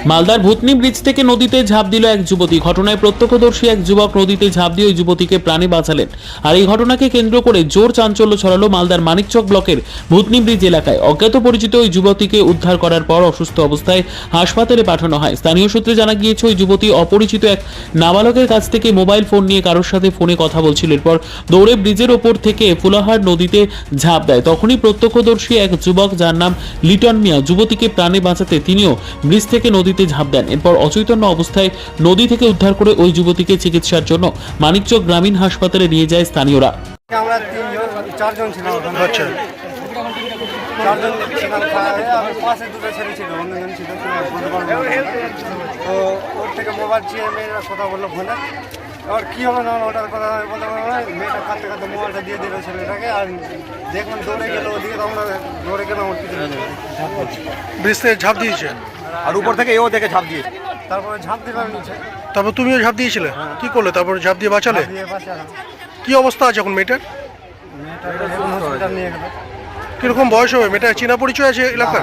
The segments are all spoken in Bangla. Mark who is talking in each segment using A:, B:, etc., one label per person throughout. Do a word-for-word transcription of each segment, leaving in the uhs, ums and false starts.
A: মালদার ভূতনি ব্রিজ থেকে নদীতে ঝাঁপ দিল এক যুবতী। ঘটনায় প্রত্যক্ষদর্শী এক যুবক নদীতে ঝাঁপ দিয়ে ওই যুবতীকে প্রাণে বাঁচালেন। আর এই ঘটনাকে কেন্দ্র করে জোর চাঞ্চল্য ছড়ালো মালদার মানিকচক ব্লকের ভূতনি ব্রিজ এলাকায়। অজ্ঞাত পরিচিত ওই যুবতীকে উদ্ধার করার পর অসুস্থ অবস্থায় হাসপাতালে পাঠানো হয়। স্থানীয় সূত্রে জানা গিয়েছে ওই যুবতী অপরিচিত এক নাবালকের কাছ থেকে মোবাইল ফোন নিয়ে কারোর সাথে ফোনে কথা বলছিল। এরপর দৌড়ে ব্রিজের ওপর থেকে ফুলাহার নদীতে ঝাঁপ দেয়। তখনই প্রত্যক্ষদর্শী এক যুবক, যার নাম লিটন মিয়া, যুবতীকে প্রাণে বাঁচাতে তিনিও ব্রিজ থেকে নদীতে ঝাঁপ দেন। এরপর অচৈতন্য অবস্থায় নদী থেকে উদ্ধার করে ওই যুবতীকে চিকিৎসার জন্য মানিকচক গ্রামীণ হাসপাতালে নিয়ে যায় স্থানীয়রা।
B: আমরা তিনজন চারজন ছিলাম ওখানে।
C: আচ্ছা,
B: চারজন ছিলাম, আমার পাশে দুটো ছেলে ছিল, অন্যজন ছিল বলতে পারবো না। তো ওর থেকে মোবাইল চেয়ে মেয়েরা কথা বললো ফোনে। এবার কী হবে না ওটার কথা আমি বলতে পারবো না। মেয়েটা কাঁদতে কাঁদতে মোবাইলটা দিয়ে দিল ছেলেটাকে, আর দেখলাম দৌড়ে গেলো ওদিকে, তো আমরা দৌড়ে গেলাম ওর পিছনে।
C: ব্রিজ থেকে ঝাঁপ দিয়েছে
D: আর উপর থেকে এও দেখে ঝাঁপ দিয়েছে।
B: তারপরে ঝাঁপ দিলাম নিচে,
C: তারপর তুমিও ঝাঁপ দিয়েছিলে? কি করলে তারপর? ঝাঁপ দিয়ে বাঁচালে?
B: দিয়ে পাশে আলাম।
C: কি অবস্থা আছে এখন মেয়েটার?
B: মেয়েটাকে এখন হসপিটাল নিয়ে গেলো।
C: কিরকম বয়স হবে মেয়েটা? চেনা পরিচয় আছে এলাকার?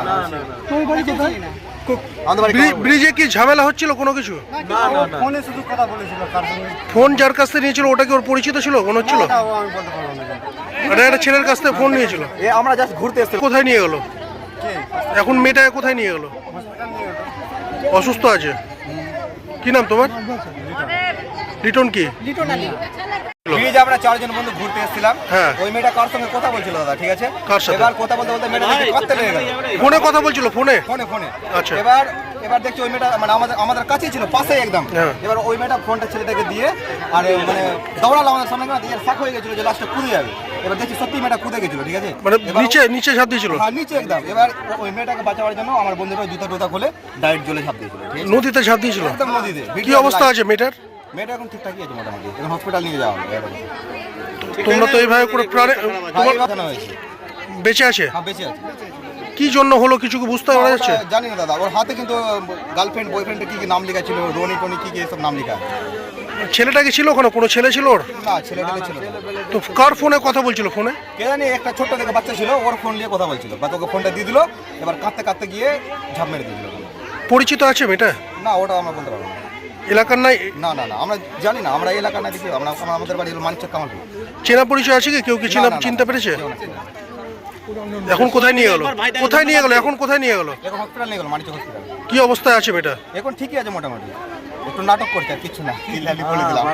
D: আমাদের বাড়ি
C: ব্রি- ব্রিজে কি ঝামেলা হচ্ছিল কোনো কিছু?
B: ফোনে শুধু কথা বলেছিল কার সঙ্গে,
C: ফোন যার কাছ থেকে নিয়েছিল ওটা কি ওর পরিচিত ছিল? মনে হচ্ছিল
B: ওটাও আমি বলতে পারবো না।
C: এটা একটা ছেলের কাছ থেকে ফোন নিয়েছিল।
D: এ আমরা জাস্ট ঘুরতে এসেছি।
C: কোথায় নিয়ে গেল
B: কে
C: এখন মেয়েটাকে? কোথায় নিয়ে গেল?
B: হসপিটাল নিয়ে গেলো।
C: অসুস্থ আছে? কি নাম তোমার? লিটন কি?
D: ব্রিজে আমরা চারজন বন্ধু ঘুরতে এসেছিলাম।
C: হ্যাঁ।
D: ওই মেয়েটা কার সঙ্গে কথা বলছিল দাদা, ঠিক আছে?
C: কার সাথে?
D: এবার কথা বলতে বলতে মেয়েটা দেখে কাঁদতে লেগে গেল।
C: ফোনে কথা বলছিল? ফোনে?
D: ফোনে ফোনে
C: আচ্ছা।
D: এবার এবার দেখছি ওই মেয়েটা মানে আমাদের আমাদের কাছেই ছিল, পাশেই একদম।
C: হ্যাঁ।
D: এবার ওই মেয়েটা ফোনটা ছেলেটাকে দিয়ে আর এ মানে দৌড়ালো আমাদের সামনে, দিয়ে শাক হয়ে গেছিল যে লাস্টে কুদে যাবে। এবার দেখছি সত্যি মেয়েটা কুদে গেছিল, ঠিক আছে?
C: মানে
D: এবার-
C: নিচে নিচে ঝাঁপ দিয়েছিল?
D: হ্যাঁ, নিচে একদম। এবার ওই মেয়েটাকে বাঁচাবার জন্য আমার বন্ধুরা জুতা টুতা খুলে ডাইরেক্ট জলে ঝাঁপ দিয়েছিল, ঠিক আছে?
C: নদীতে ঝাঁপ দিয়েছিল?
D: একদম নদীতে।
C: কি অবস্থা আছে মেয়েটার?
D: মেয়েটা এখন ঠিকঠাকই আছে মোটামুটি, এখন হসপিটাল নিয়ে যাওয়া হবে।
C: তোমরা তো এইভাবে করে প্রাণে তোমার
D: জানা হয়েছে।
C: বেঁচে আছে?
D: হ্যাঁ, বেঁচে আছে।
C: কি জন্য হলো কিছু কি বুঝতে পারা যাচ্ছে?
D: ওটা জানি না দাদা, ওর হাতে কিন্তু গার্লফ্রেন্ড বয়ফ্রেন্ডের কি কি নাম লেখা ছিল, রনি টনি কি কি এসব নাম লেখা।
C: ছেলেটা কি ছিল ওখানে? কোনো ছেলে ছিল ওর?
D: না, ছেলেটাকে ছিল না।
C: তো কার ফোনে কথা বলছিল? ফোনে
D: কে জানি একটা ছোট্ট থেকে বাচ্চা ছিল, ওর ফোন দিয়ে কথা বলছিল, বা তোকে ফোনটা দিয়ে দিল। এবার কাঁদতে কাঁদতে গিয়ে ঝাঁপ মেরে দিয়েছিল।
C: পরিচিত আছে মেয়েটা?
D: না, ওটা আমরা বলতে পারবো না।
C: এলাকার নাই?
D: না না না, আমরা জানি না, আমরা এই এলাকার না দেখি। আমরা আমরা- আমাদের বাড়ি হলো মানিকচক কামালপুর।
C: চেনা পরিচয় আছে কি? কেউ কি চেনা
D: না, না, না।
C: চিনতে পেরেছে?
D: কেউ না, কেউ না।
C: এখন কোথায় নিয়ে গেল? কোথায় নিয়ে গেল? এখন কোথায় নিয়ে গেল?
D: এখন হসপিটাল নিয়ে গেল, মানিকচক হসপিটাল।
C: কি অবস্থায় আছে মেয়েটা?
D: এখন ঠিকই আছে মোটামুটি, একটু নাটক করছে আর কিছু না। চিল্লালি বলে দিলাম।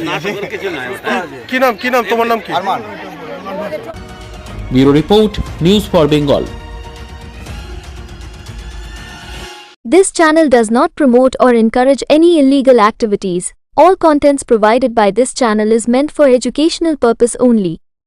C: কি নাম? কি নাম? তোমার নাম কি?
D: Arman.
A: Bureau report, news for Bengal.
E: This channel does not promote or encourage any illegal activities. All contents provided by this channel is meant for educational purpose only.